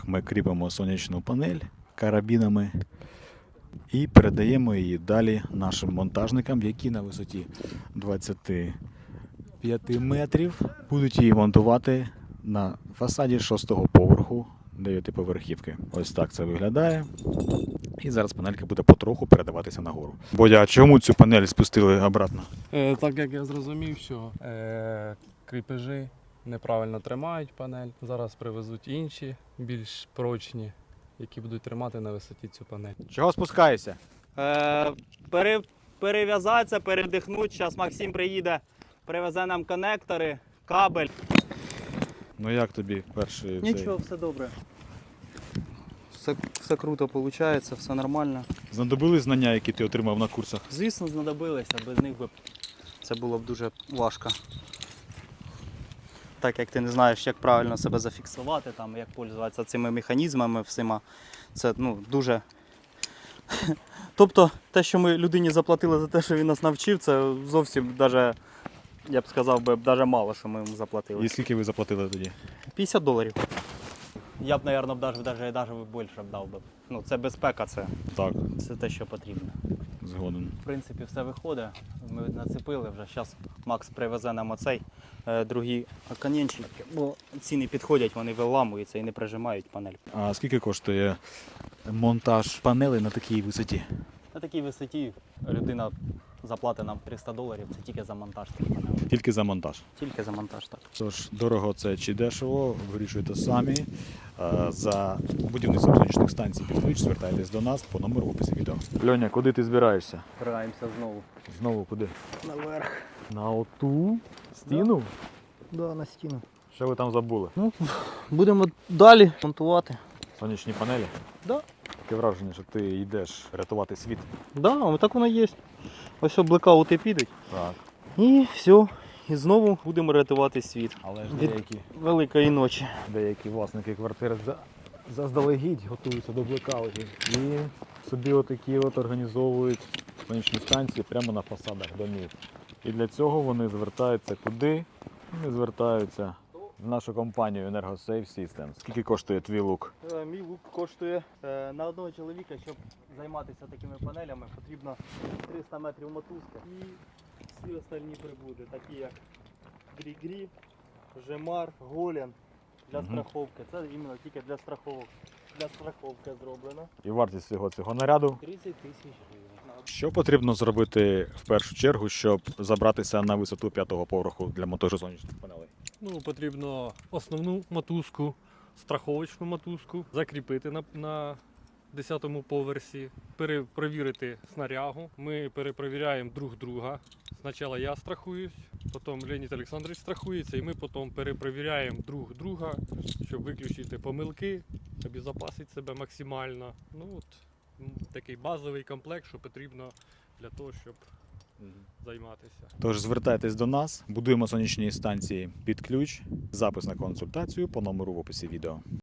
Ми кріпимо сонячну панель карабінами і передаємо її далі нашим монтажникам, які на висоті 25 метрів будуть її монтувати на фасаді 6-го поверху 9-поверхівки. Ось так це виглядає. І зараз панелька буде потроху передаватися нагору. Бодя, а чому цю панель спустили обратно? Так як я зрозумів, що кріпежі неправильно тримають панель. Зараз привезуть інші, більш прочні, які будуть тримати на висоті цю панель. Чого спускаєшся? Перев'язатися, передихнути. Зараз Максим приїде, привезе нам конектори, кабель. Ну як тобі перший Нічого, все добре. Все круто виходить, все нормально. Знадобились знання, які ти отримав на курсах? Звісно, знадобилися, без них би це було б дуже важко. Так як ти не знаєш, як правильно себе зафіксувати, там, як пользуватися цими механізмами всіма, це дуже... Тобто те, що ми людині заплатили за те, що він нас навчив, це зовсім даже, я б сказав, даже мало, що ми йому заплатили. І скільки ви заплатили тоді? $50. Я б, мабуть, навіть більше б дав би. Ну, це безпека, це те, що потрібно. Згоден. В принципі, все виходить. Ми нацепили вже. Зараз Макс привезе нам оцей другий оконечник, бо ці не підходять, вони виламуються і не прижимають панель. А скільки коштує монтаж панелей на такій висоті? На такій висоті людина заплатить нам $300, це тільки за монтаж цих панелей. Тільки за монтаж. Тільки за монтаж, так. Тож, дорого це чи дешево, вирішуйте самі. За будівництвом сонячних станцій під ключ звертайтесь до нас по номеру в описі відео. Льоня, куди ти збираєшся? Збираємося знову. Знову куди? Наверх. На оту стіну? Да, на стіну. Що ви там забули? Будемо далі монтувати. Сонячні панелі? Да. Таке враження, що ти йдеш рятувати світ. Да, так воно є. Ось блекаути підуть. Так. І все. І знову будемо рятувати світ. Але ж Від великої ночі. деякі власники квартир заздалегідь готуються до блекаутів і собі отакі організовують сонячні станції прямо на фасадах домів. І для цього вони звертаються куди? Вони звертаються в нашу компанію EnergoSafe Systems. Скільки коштує твій лук? Мій лук коштує на одного чоловіка, щоб займатися такими панелями, потрібно 300 метрів мотузки і всі остальні прибуди, такі як грі-грі, жемар, голен для страховки. Це іменно тільки для страховок. Для страховки зроблено. І вартість всього цього наряду? 30 000 гривень. Що потрібно зробити в першу чергу, щоб забратися на висоту 5-го поверху для монтажу сонячних панелей? Потрібно основну мотузку, страховочну мотузку закріпити на 10-му поверсі, перепровірити снарягу. Ми перепровіряємо друг друга. Спочатку я страхуюсь, потім Леонід Олександрович страхується, і ми потім перепровіряємо друг друга, щоб виключити помилки, обезопасити себе максимально. Такий базовий комплект, що потрібно для того, щоб займатися. Тож звертайтесь до нас, будуємо сонячні станції під ключ, запис на консультацію по номеру в описі відео.